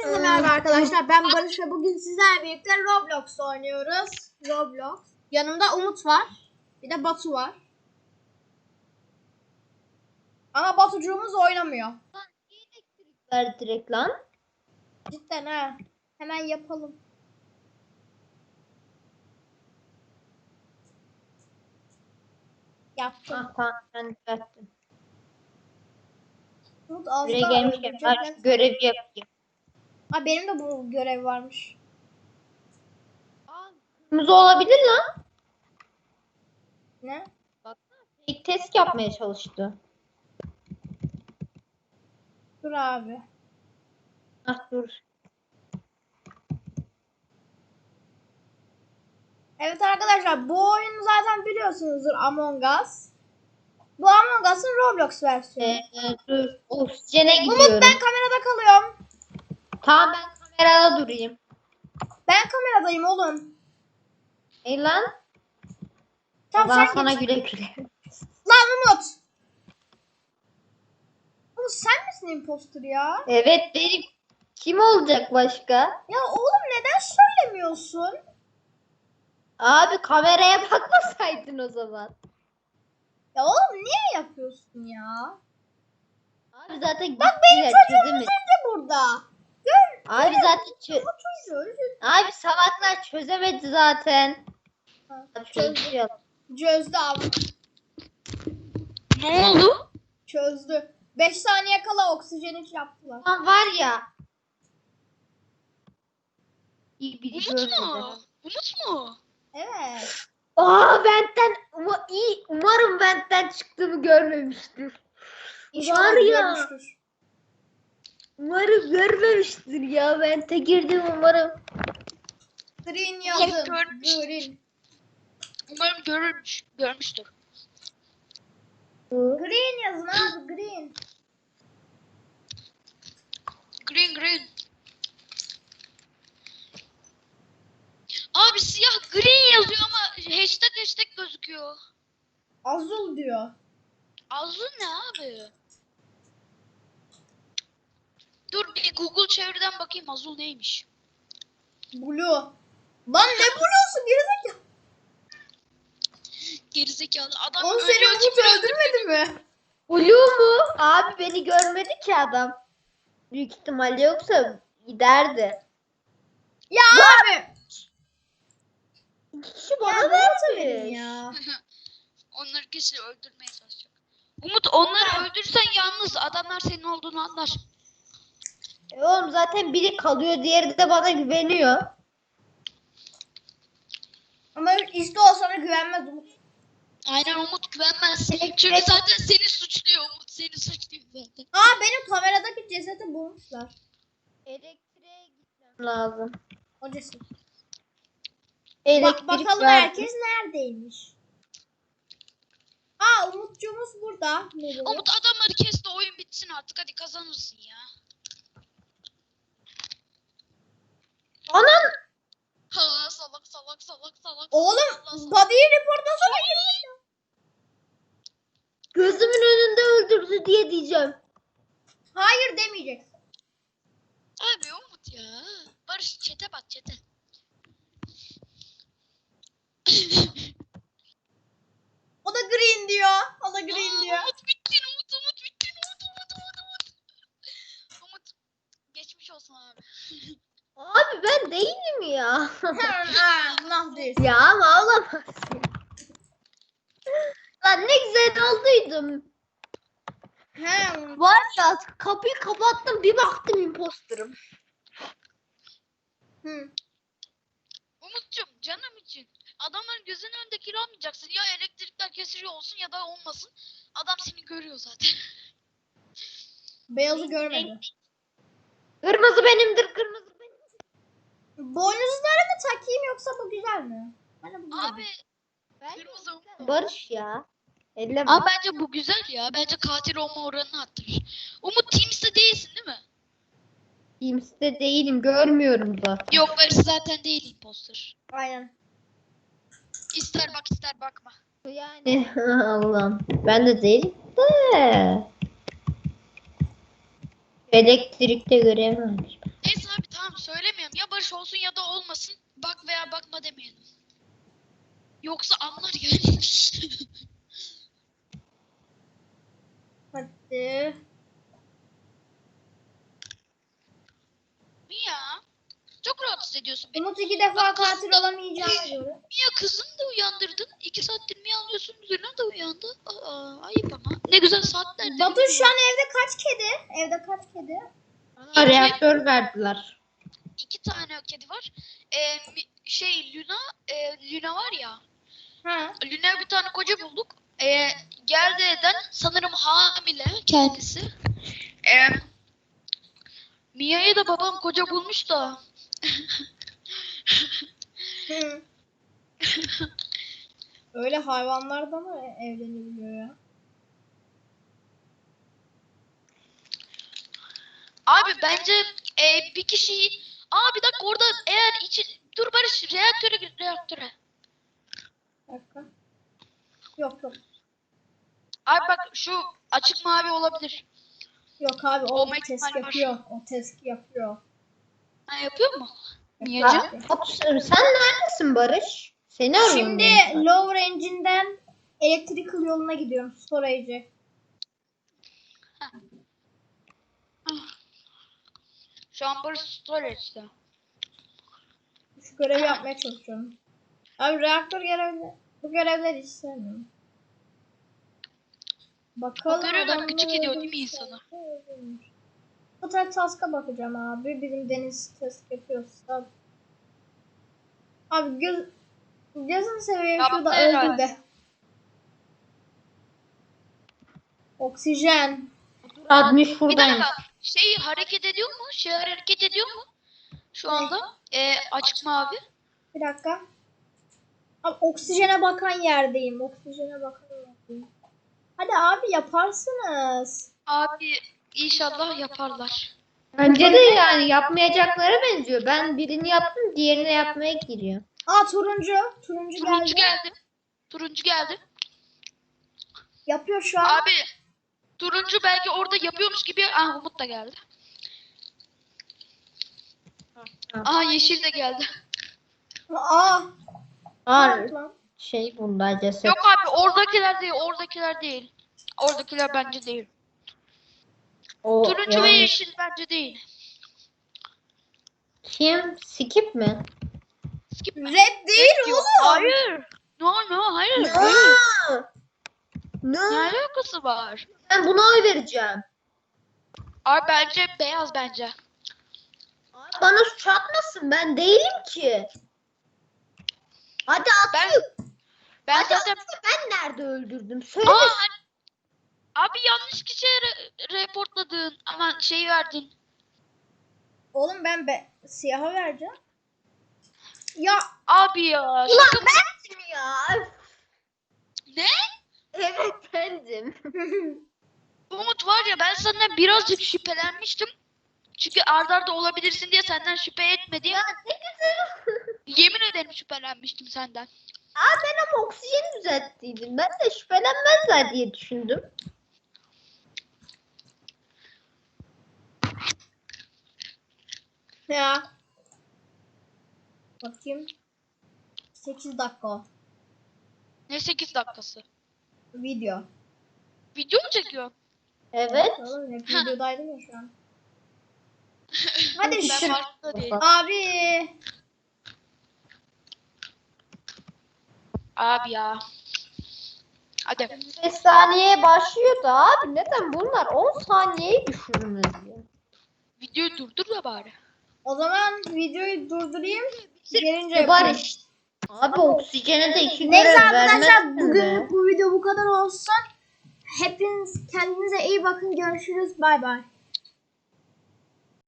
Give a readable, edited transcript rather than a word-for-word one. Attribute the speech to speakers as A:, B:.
A: Herkese merhaba arkadaşlar. Ben Barış ve bugün sizlerle birlikte Roblox oynuyoruz. Roblox. Yanımda Umut var. Bir de Batu var. Ama Batucuğumuz oynamıyor.
B: Ver direkt lan.
A: Cidden ha. Hemen yapalım. Yaptım.
B: Ah tamam ben düzelttim.
A: Umut az
B: Buraya
A: daha
B: gelmişken
A: öldürecek.
B: ben şu görevi yapayım.
A: Ha, benim de bu görev varmış.
B: Kırmızı olabilir lan.
A: Ne?
B: Baksana fake test yapmaya çalıştı.
A: Dur abi.
B: Ah dur.
A: Evet arkadaşlar, bu oyunu zaten biliyorsunuzdur, Among Us. Bu Among Us'ın Roblox versiyonu.
B: Dur. Oksijene
A: Umut,
B: gidiyorum.
A: ben kamerada kalıyorum.
B: Tamam ben kamerada durayım.
A: Ben kameradayım oğlum.
B: Ey lan.
A: Tamam,
B: Ben
A: sen
B: sana
A: git.
B: güle güle.
A: Lan Umut. Umut, sen misin imposter ya?
B: Evet benim. Kim olacak başka?
A: Ya oğlum, neden söylemiyorsun?
B: Abi kameraya bakmasaydın o zaman.
A: Ya oğlum, niye yapıyorsun ya?
B: Abi zaten
A: Bak, benim
B: gittiler,
A: çocuğum
B: çözemedi.
A: üzerinde burada. Gör.
B: Abi zaten
A: Bu çocuğu üzerinde.
B: Abi salaklar çözemedi zaten.
A: Çözdü. Çözdü abi.
B: Ne oldu?
A: Çözdü. 5 saniye kala oksijen iç yaptılar.
B: Lan var ya. İyi biri
C: Umut
B: görmedi.
C: mu? Umut mu?
A: Evet.
B: Aa benden iyi umarım benden çıktığımı görmemiştir.
A: İnşallah
B: Var ya.
A: görmüştür.
B: Umarım görmemiştir ya. Ben de girdim umarım.
A: Green yazın.
C: görmüş.
A: Green.
C: Umarım görmüştür.
A: Green yazın abi, green.
C: Green. Abi siyah green yazıyor ama hashtag gözüküyor.
A: Azul diyor.
C: Azul ne abi? Dur bir Google çeviriden bakayım azul neymiş.
A: Blue. Lan ne blue'su gerizekalı?
C: Gerizekalı adam
A: Oğlum, seni
C: ölüyor
A: Umut
C: gibi
A: öldürmedi mi?
B: Blue mu? Abi beni görmedi ki adam. Büyük ihtimalle yoksa giderdi.
A: Ya abi.
B: İki kişi
A: Ya
B: bana
A: Umut'a verin
B: vermiş.
A: ya.
C: Onları kesin öldürmeye çalışacak. Umut onları öldürsen yalnız adamlar senin olduğunu anlar.
B: Oğlum zaten biri kalıyor, diğeri de bana güveniyor.
A: Ama işte o sana güvenmez Umut.
C: Aynen Umut güvenmez. Çünkü zaten seni suçluyor Umut seni suçluyor zaten.
A: Aa, benim kameradaki cesedi bulmuşlar.
B: Elektriğe gitmem lazım.
A: O ceset.
B: Elektrik
A: Bakalım
B: verdim.
A: herkes neredeymiş. Aa, Umutcuğumuz burada. Nereye?
C: Umut adamları kes de oyun bitsin artık hadi kazanırsın ya.
B: Anan!
C: Ha salak.
A: Oğlum,
C: Allah.
A: body'yi reportasana girmiş.
B: Gözümün önünde öldürdü diye diyeceğim.
A: Hayır demeyeceksin.
C: Abi Umut ya. Barış çete bak çete.
A: O da green diyor. O da green diyor.
C: Umut bittin Umut bittin Umut. Umut geçmiş olsun abi.
B: Abi ben değilim ya.
A: Aa, nah diyorsun.
B: Ya ama olamazsın. Lan ne güzel olduydum.
A: He.
B: Var ya kapıyı kapattım bir baktım imposterım.
A: Hı.
C: Umut'cum canım için. Adamların gözünün önünde kill almayacaksın. Ya elektrikler kesiliyor olsun ya da olmasın. Adam seni görüyor zaten.
A: Beyazı görmedi.
B: Kırmızı benimdir, kırmızı benim.
A: Boynuzları mı takayım yoksa bu güzel mi? Bana bu güzel.
C: Abi kırmızı Umut.
B: Barış ya. Elleme.
C: Abi bence bu güzel ya. Bence katil olma oranını arttırır. Umut Teams'te değilsin değil mi?
B: Teams'te değilim, görmüyorum zaten.
C: Yok Barış zaten değil imposter.
A: Aynen.
C: İster bak ister bakma.
B: Yani Allah'ım. Ben de değilim de. Elektrikte görevim varmış.
C: Neyse abi Barış olsun ya da olmasın. Bak veya bakma demeyelim. Yoksa anlar yani.
A: Hadi.
C: Mia. Çok rahatsız ediyorsun beni.
A: Umut 2 defa katil olamayacağına göre.
C: Mia kızını da uyandırdın. 2 saattir Mia alıyorsun. Luna da uyandı. Aa, ayıp ama. Ne güzel saatlerdir.
A: Batu şu an evde kaç kedi? Evde kaç kedi?
B: Reaktör verdiler.
C: 2 tane kedi var. Luna var ya.
A: Ha.
C: Luna'ya bir tane koca bulduk. Geldi eden sanırım hamile kendisi. Mia'ya da babam koca bulmuş da.
A: Hı. Öyle hayvanlar da mı evlenebiliyor ya?
C: Abi bence bir kişiyi... Bir dakika orada eğer Dur Barış reaktöre gir reaktöre.
A: Bir dakika. Yok yok.
C: Abi bak şu açık mavi olabilir.
A: Yok abi o
C: Olma
A: test
C: ihtimali var.
A: yapıyor. O test yapıyor.
C: Ha, yapıyor mu? Mia'cığım?
B: Sen neredesin Barış? Seni arıyorum.
A: Şimdi
B: ben.
A: low range'inden electrical yoluna gidiyorum. Storage'e.
C: Şu an Barış storage'da.
A: Şu görevi yapmaya çalışıyorum. Abi reaktör görevleri. Bu görevleri hiç sevmiyorum. Bakalım.
C: O görevler
A: adamlar
C: gıcık ediyor değil mi
A: öldürmüş.
C: insanı?
A: Bu tarz task'a bakacağım abi. Bizim Deniz task yapıyorsa. Abi gözünü seveyim
C: Yaptı
A: şurada
C: herhalde.
A: öldür de. Oksijen.
B: Admış
C: Bir
B: buradayım.
C: dakika. Şey hareket ediyor mu? Hareket ediyor mu? Şu anda. Açık mavi.
A: Bir dakika. Abi oksijene bakan yerdeyim. Oksijene bakan yerdeyim. Hadi abi yaparsınız.
C: Abi inşallah yaparlar.
B: Bence de yani yapmayacaklara benziyor. Ben birini yaptım, diğerini yapmaya giriyor.
A: Aa turuncu. Turuncu
C: Turuncu
A: geldi.
C: geldi. Turuncu geldi.
A: Yapıyor şu an.
C: Abi turuncu belki orada yapıyormuş gibi. Umut da geldi. Yeşil de geldi.
A: Aa.
B: Aa,
A: Lan.
B: bunda ceset.
C: Yok abi oradakiler değil. Oradakiler değil. Oradakiler bence değil.
B: O
C: Turuncu ve
B: yani
C: yeşil bence değil.
B: kim? Skip mi?
C: Skip mi?
A: Red değil
C: Yok,
A: oğlum.
C: hayır. No hayır.
B: Ne?
C: Ne alakası var?
B: Ben buna oy vereceğim.
C: Abi bence beyaz bence.
B: Bana suç atmasın. Ben değilim ki. Hadi atayım.
C: Ben
B: Hadi
C: zaten
B: ben nerede öldürdüm? Söyle.
C: abi yanlış kişiye reportladın. Aman şey verdin.
A: Oğlum ben siyaha vereceğim. Ya
C: Abi ya.
B: Ulan
C: Şaka mı?
B: bendim ya.
C: Ne?
B: Evet bendim.
C: Umut var ya ben senden birazcık şüphelenmiştim. Çünkü arda arda olabilirsin diye senden şüphe etmedim.
B: Ya ne güzel.
C: Yemin ederim şüphelenmiştim senden.
B: Ben ama oksijeni düzelttiydim. Ben de şüphelenmezler diye düşündüm.
A: ya. Bakayım. 8 dakika o.
C: Ne 8 dakikası?
A: Video.
C: Video mu çekiyor?
B: Evet.
A: Oğlum hep videodaydım ya şu an. Hadi
C: Ben
A: şu.
C: farkında değil.
A: Abi.
C: Abi ya. Hadi.
B: 5 saniyeye başlıyordu abi. Neden bunlar 10 saniyeyi düşürmüş ya?
C: Videoyu durdur da bari.
A: O zaman videoyu durdurayım. Gelince
B: Var
A: yapayım.
B: işte. Abi oksijene de 2
A: Neyse
B: görev
A: arkadaşlar
B: vermezsin be.
A: bugünlük bu video bu kadar olsun. Hepiniz kendinize iyi bakın. Görüşürüz. Bay bay.